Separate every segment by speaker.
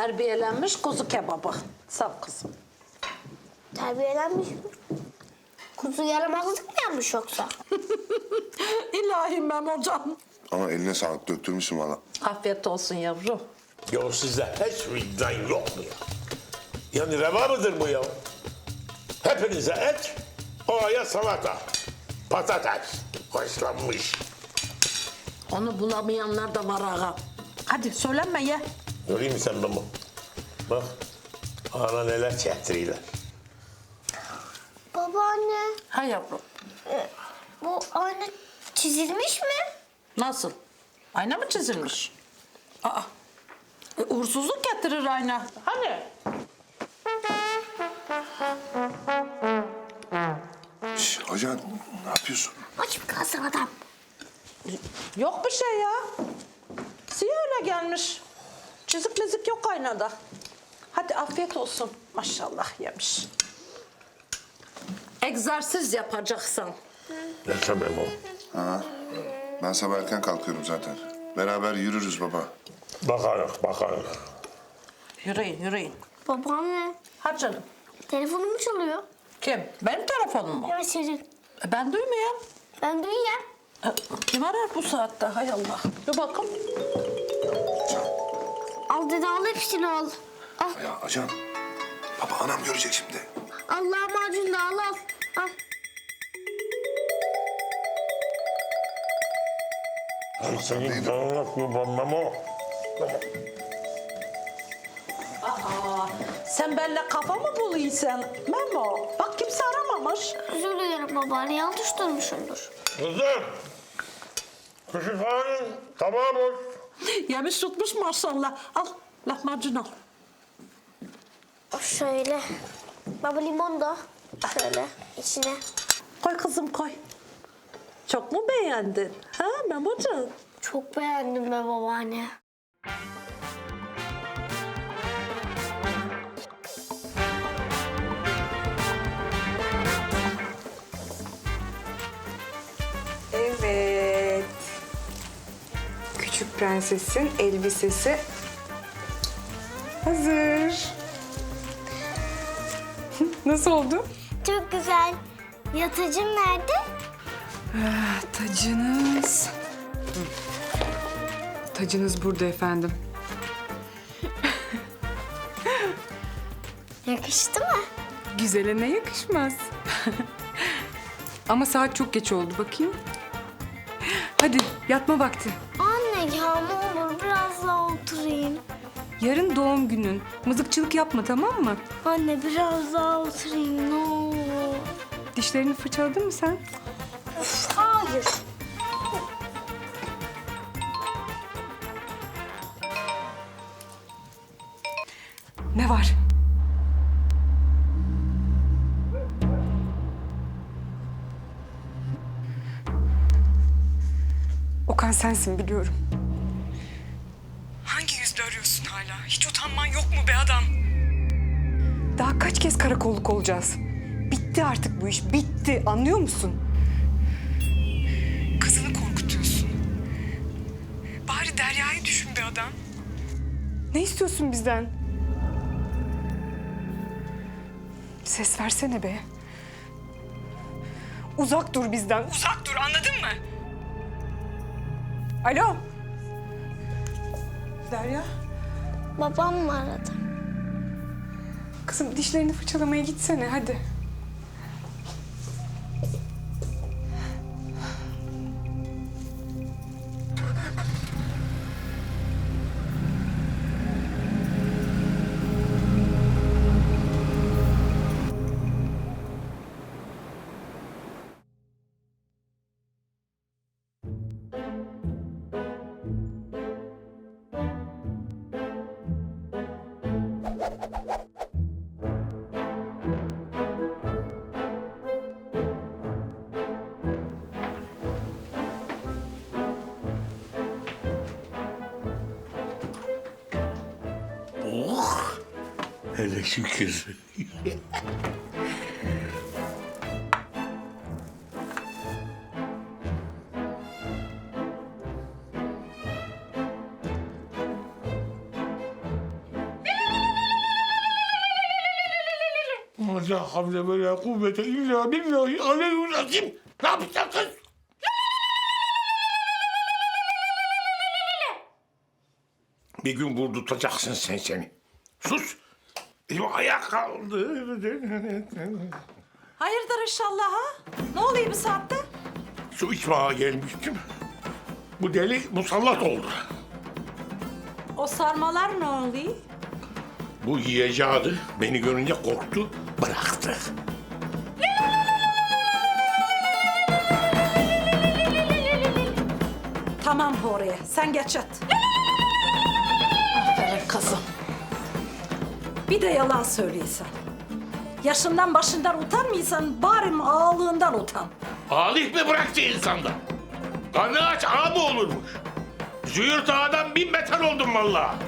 Speaker 1: Terbiyelenmiş kuzu kebabı. Saf kızım.
Speaker 2: Terbiyelenmiş mi? Kuzu yaramazlık mı yapmış yoksa?
Speaker 1: İlahi Memocan.
Speaker 3: Ama eline sağlık, döktürmüşsün valla.
Speaker 1: Afiyet olsun yavrum.
Speaker 4: Ya sizde hiç vicdan yok mu ya? Yani reva mıdır bu ya? Hepinize et, oraya salata, patates, haşlanmış.
Speaker 1: Onu bulamayanlar da var ağa. Hadi söylenme ye.
Speaker 4: Göreyim mi sen bunu? Bak, ana neler çektiriyorlar.
Speaker 2: Babaanne,
Speaker 1: Ha yavrum.
Speaker 2: bu ayna çizilmiş mi?
Speaker 1: Nasıl? Ayna mı çizilmiş? Aa. Uğursuzluk getirir ayna. Hani?
Speaker 3: Şş, ajan ne yapıyorsun?
Speaker 2: Aç mı kalsın adam?
Speaker 1: Yok bir şey ya. Siyah öyle gelmiş. Çizik mizik yok aynada. Hadi afiyet olsun. Maşallah yemiş. Egzersiz yapacaksan.
Speaker 4: Ne sebep o?
Speaker 3: Ben sabah erken kalkıyorum zaten. Beraber yürürüz baba.
Speaker 4: Bakarız.
Speaker 1: Yürüyün, yürüyün.
Speaker 2: Babaanne,
Speaker 1: Hadi canım.
Speaker 2: telefonum çalıyor.
Speaker 1: Kim? Benim telefonum mu?
Speaker 2: Evet senin.
Speaker 1: Ben duymuyorum.
Speaker 2: Ben duyuyorum.
Speaker 1: Kim arar bu saatte? Hay Allah. Dur bakalım.
Speaker 2: Al dede al hepsini al. Al.
Speaker 3: Ya ajan, baba anam görecek şimdi.
Speaker 2: Allah macun da al al. Al.
Speaker 4: Senin canına kurbanmam o.
Speaker 1: Sen benimle kafa mı buluyorsun Memo? Bak kimse aramamış.
Speaker 2: Özür dilerim babaanne yanlış durmuşumdur.
Speaker 4: Kızım, küçükhanenin tabağı boş.
Speaker 1: Yemiş tutmuş maşallah. Al lahmacun al.
Speaker 2: Şöyle. Baba limon da şöyle içine.
Speaker 1: Koy kızım koy. Çok mu beğendin? Ha Memocan?
Speaker 2: Çok beğendim be babaanne.
Speaker 5: Evet. Küçük prensesin elbisesi hazır. Nasıl oldu?
Speaker 2: Çok güzel. Yatıcım nerede?
Speaker 5: Tacınız. Tacınız burada efendim.
Speaker 2: Yakıştı mı?
Speaker 5: Güzele ne yakışmaz. Ama saat çok geç oldu bakayım. Hadi yatma vakti.
Speaker 2: Anne ya ne olur biraz daha oturayım.
Speaker 5: Yarın doğum günün. Mızıkçılık yapma tamam mı?
Speaker 2: Anne biraz daha oturayım ne olur.
Speaker 5: Dişlerini fırçaladın mı sen?
Speaker 2: Hayır.
Speaker 5: Ne var? Okan sensin biliyorum. Hangi yüzle arıyorsun hala? Hiç utanman yok mu be adam? Daha kaç kez karakolluk olacağız? Bitti artık bu iş, bitti. Anlıyor musun? Kızını korkutuyorsun. Bari Derya'yı düşün be adam. Ne istiyorsun bizden? Ses versene be. Uzak dur bizden, uzak dur anladın mı? Alo? Derya?
Speaker 2: Babam mı aradı?
Speaker 5: Kızım dişlerini fırçalamaya gitsene hadi.
Speaker 4: Hele şükür. La havle ve la kuvvete illa billahi aleyhü'l-azim. Ne yapacaksın kız? Bir gün vurdurtacaksın sen seni. Sus. Elim ayak kaldı.
Speaker 1: Hayırdır inşallah ha? Ne oluyor bu saatte?
Speaker 4: Su içmeye gelmiştim. Bu deli musallat oldu.
Speaker 1: O sarmalar ne oluyor?
Speaker 4: Bu yiyeceğiydi. Beni görünce korktu, bıraktı.
Speaker 1: Tamam Huriye, sen geç yat. Aferin kızım. Bir de yalan söylüyorsan. Yaşından başından utanmıyorsan bari ağalığından utan.
Speaker 4: Alih mi bıraktı insanda? Karnı aç ağa mı olurmuş? Züğürt ağadan 1000 beter oldum vallahi.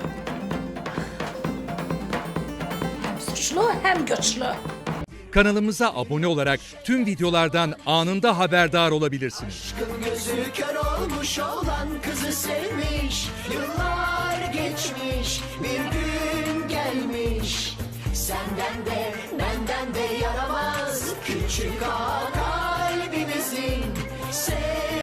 Speaker 1: Hem suçlu hem güçlü.
Speaker 6: Kanalımıza abone olarak tüm videolardan anında haberdar olabilirsiniz.
Speaker 7: Aşkın gözü kör olmuş olan kızı sevmiş. Yıllar geçmiş, bir gün gelmiş. Senden de benden de yaramaz küçük ağa kalbimizin.